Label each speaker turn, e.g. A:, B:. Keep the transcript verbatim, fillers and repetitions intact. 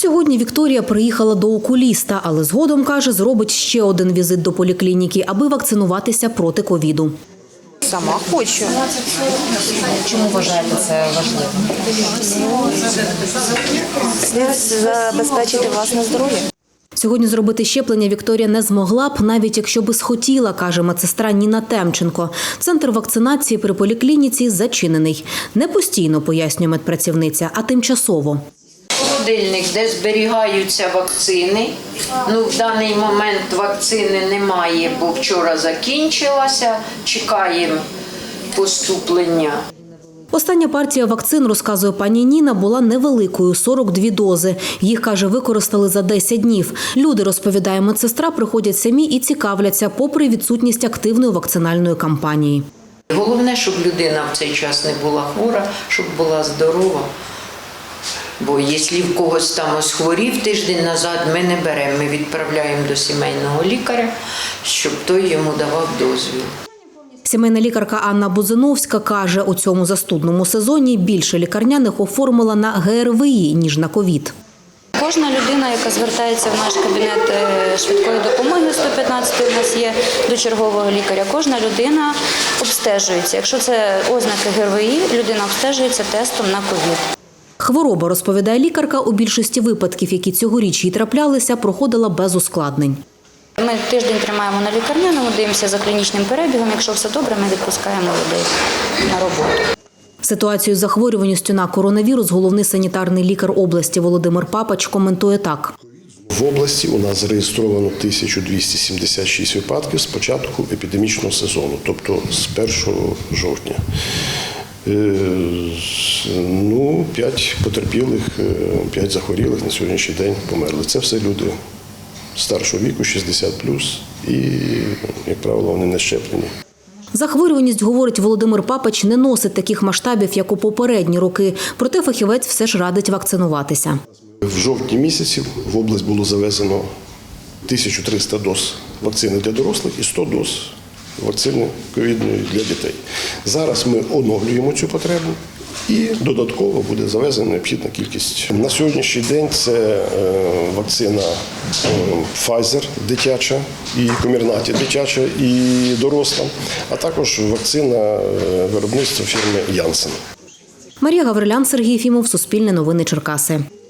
A: Сьогодні Вікторія приїхала до окуліста, але згодом, каже, зробить ще один візит до поліклініки, аби вакцинуватися проти ковіду.
B: Сама хочу.
C: Чому вважаєте це важливим?
B: Слід забезпечити власне здоров'я.
A: Сьогодні зробити щеплення Вікторія не змогла б, навіть якщо би схотіла, каже медсестра Ніна Темченко. Центр вакцинації при поліклініці зачинений. Не постійно, пояснює медпрацівниця, а тимчасово.
D: Холодильник, де зберігаються вакцини. Ну, в даний момент вакцини немає, бо вчора закінчилася. Чекаємо поступлення.
A: Остання партія вакцин, розказує пані Ніна, була невеликою – сорок дві дози. Їх, каже, використали за десять днів. Люди, розповідає медсестра, приходять самі і цікавляться, попри відсутність активної вакцинальної кампанії.
D: Головне, щоб людина в цей час не була хвора, щоб була здорова. Бо якщо в когось там ось хворів тиждень назад, ми не беремо, ми відправляємо до сімейного лікаря, щоб той йому давав дозвіл.
A: Сімейна лікарка Анна Бузиновська каже, у цьому застудному сезоні більше лікарняних оформила на ге ер ве і, ніж на ковід.
E: Кожна людина, яка звертається в наш кабінет швидкої допомоги, сто п'ятнадцять у нас є до чергового лікаря, кожна людина обстежується. Якщо це ознаки ге ер ве і, людина обстежується тестом на ковід.
A: Хвороба, розповідає лікарка, у більшості випадків, які цьогоріч їй траплялися, проходила без ускладнень.
E: Ми тиждень тримаємо на лікарняному, дивимося за клінічним перебігом. Якщо все добре, ми відпускаємо людей на роботу.
A: Ситуацію з захворюваністю на коронавірус головний санітарний лікар області Володимир Папач коментує так.
F: В області у нас зареєстровано тисяча двісті сімдесят шість випадків з початку епідемічного сезону, тобто з першого жовтня. Ну, п'ять потерпілих, п'ять захворілих на сьогоднішній день померли. Це все люди старшого віку, шістдесят плюс, і, як правило, вони не щеплені.
A: Захворюваність, говорить Володимир Папач, не носить таких масштабів, як у попередні роки. Проте фахівець все ж радить вакцинуватися.
F: В жовтні місяці в область було завезено тисячу триста доз вакцини для дорослих і сто доз вакцини ковідної для дітей. Зараз ми оновлюємо цю потребу і додатково буде завезена необхідна кількість. На сьогоднішній день це вакцина Pfizer дитяча, і Комірнаті дитяча і доросла, а також вакцина виробництва фірми Janssen.
A: Марія Гаврилян, Сергій Єфімов, Суспільне новини, Черкаси.